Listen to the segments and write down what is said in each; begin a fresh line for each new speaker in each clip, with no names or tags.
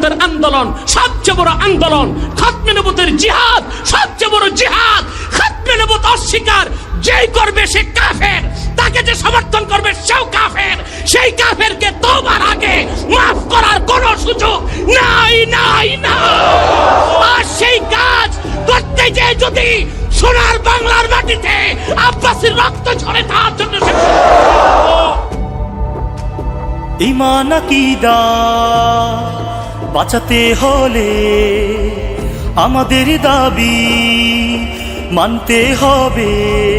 নবুয়তের আন্দোলন সবচেয়ে বড় আন্দোলন, খতমে নবুয়তের জিহাদ সবচেয়ে বড় জিহাদ। খতমে নবুয়ত অস্বীকার যেই করবে সে কাফের, তাকে যে সমর্থন করবে সেও কাফের। সেই কাফেরকে তওবার আগে মাফ করার কোনো সুযোগ নাই নাই না। আর সেই কাজ করতে যে যদি সোনার বাংলার মাটিতে আব্বাসীর রক্ত ঝরে, তার জন্য
ঈমান আকীদা বাঁচাতে হলে আমাদের দাবি মানতে হবে।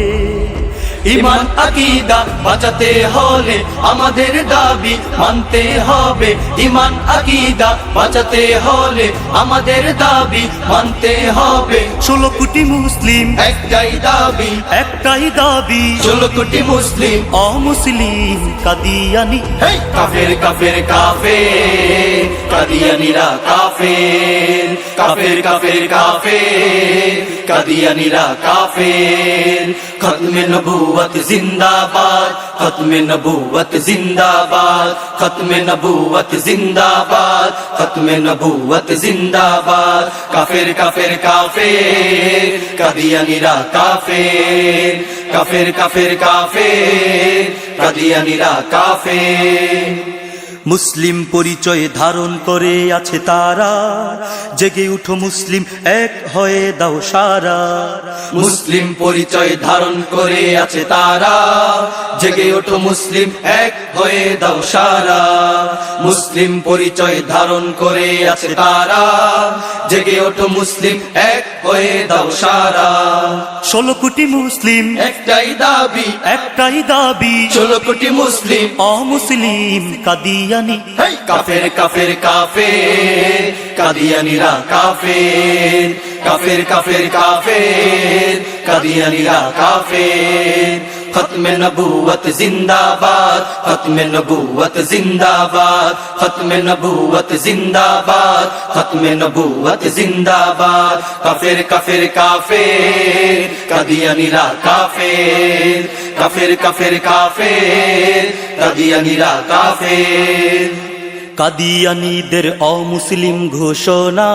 ঈমান আকীদা বাঁচাতে হলে আমাদের দাবি মানতে হবে। ঈমান আকীদা বাঁচাতে হলে আমাদের দাবি মানতে হবে।
16 কোটি মুসলিম
একটাই দাবি,
একটাই দাবি,
16 কোটি মুসলিম
অমুসলিম কাদিয়ানি।
হেই কাফের কাফের কাফের, কাদিয়ানীরা কাফের, কাফের কাফের কাফের, কাদিয়ানীরা কাফের। খতমে নবুয়ত জিন্দাবাদ, খতমে নবুয়ত জিন্দাবাদ, খতমে নবুয়ত জিন্দাবাদ, খতমে নবুয়ত জিন্দাবাদ। কাফের কাফের কাফের, কাদিয়ানীরা কাফের, কাফের কাফের কাফের, কাদিয়ানীরা কাফের।
মুসলিম পরিচয় ধারণ করে আছে তারা, জেগে উঠো মুসলিম এক হয়ে দাও সারা।
মুসলিম পরিচয় ধারণ করে আছে তারা, জেগে ওঠো মুসলিম এক হয়ে দাও সারা। মুসলিম পরিচয় ধারণ করে আছে তারা, জেগে ওঠো মুসলিম এক হয়ে দাও সারা।
16 কোটি মুসলিম
একটাই দাবি,
একটাই দাবি,
16 কোটি মুসলিম
অমুসলিম কাদিয়ানি।
হেই কাফের কাফের কাফের, কাদিয়ানীরা কাফের, কাফের কাফের কাফের, কাদিয়ানীরা কাফের। খতমে নবুয়ত জিন্দাবাদ, খতমে নবুয়ত জিন্দাবাদ, খতমে নবুয়ত জিন্দাবাদ, খতমে নবুয়ত জিন্দাবাদ। কাফের কাফের কাফের, কাদিয়ানীরা কাফের, কাফের কাফের কাফের, কাদিয়ানীরা কাফের।
কাদিয়ানীদের অমুসলিম ঘোষণা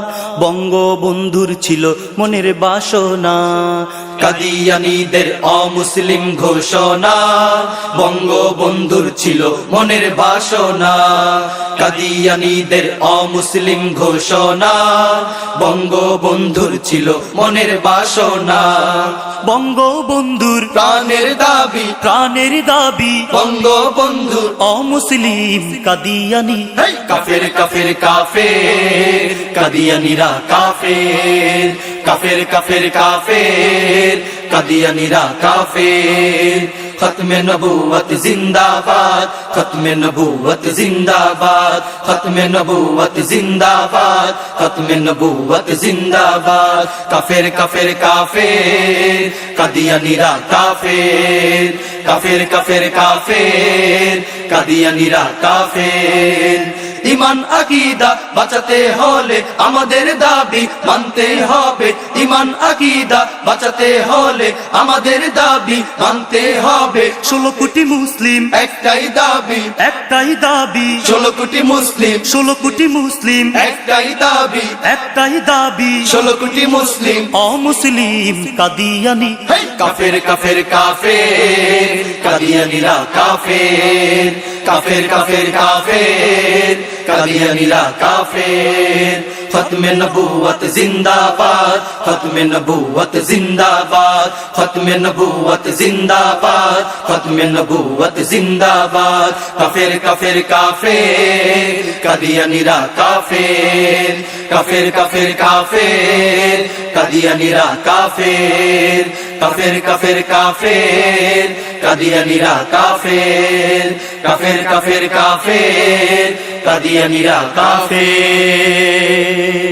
বঙ্গবন্ধুর ছিল মনের বাসনা।
কাদিয়ানীদের অমুসলিম ঘোষণা বঙ্গবন্ধুর ছিল মনের বাসনা। কাদিয়ানীদের অমুসলিম ঘোষণা বঙ্গবন্ধুর ছিল মনের বাসনা।
বঙ্গবন্ধুর
প্রাণের দাবি,
প্রাণের দাবি,
বঙ্গবন্ধুর
অমুসলিম কাদিয়ানি।
হেই কাফের কাফের কাফের, কাদিয়ানীরা কাফের, কাফের কাফের কাফের, কাদিয়ানীরা কাফের। খতমে নবুয়ত জিন্দাবাদ, খতমে নবুয়ত জিন্দাবাদ, খতমে নবুয়ত জিন্দাবাদ, খতমে নবুয়ত জিন্দাবাদ। কাফের কাফের কাফের, কাদিয়ানীরা কাফের, কাফের কাফের কাফের, কাদিয়ানীরা কাফের। ঈমান আকীদা বাঁচাতে হলে আমাদের দাবি মানতে হবে। ঈমান আকীদা বাঁচাতে হলে আমাদের দাবি মানতে হবে।
16 কোটি মুসলিম
একটাই দাবি,
একটাই দাবি,
16 কোটি মুসলিম
16 কোটি মুসলিম
একটাই দাবি,
একটাই দাবি,
16 কোটি মুসলিম
অমুসলিম কাদিয়ানি।
হেই কাফের কাফের কাফের, কাদিয়ানীরা কাফের, কাফের কাফের কাফের, কাদিয়ানীরা কাফের। খতমে নবুয়ত জিন্দাবাদ, খতমে নবুয়ত জিন্দাবাদ, খতমে নবুয়ত জিন্দাবাদ, খতমে নবুয়ত জিন্দাবাদ। কাফের কাফের কাফের, কাদিয়ানীরা কাফের, কাফের কাফের কাফের, কাদিয়ানীরা কাফের, কাফের কাফের কাফের, কাদিয়ানীরা কাফের, কাফের কাফের কাফের, কাদিয়ানীরা কাফের।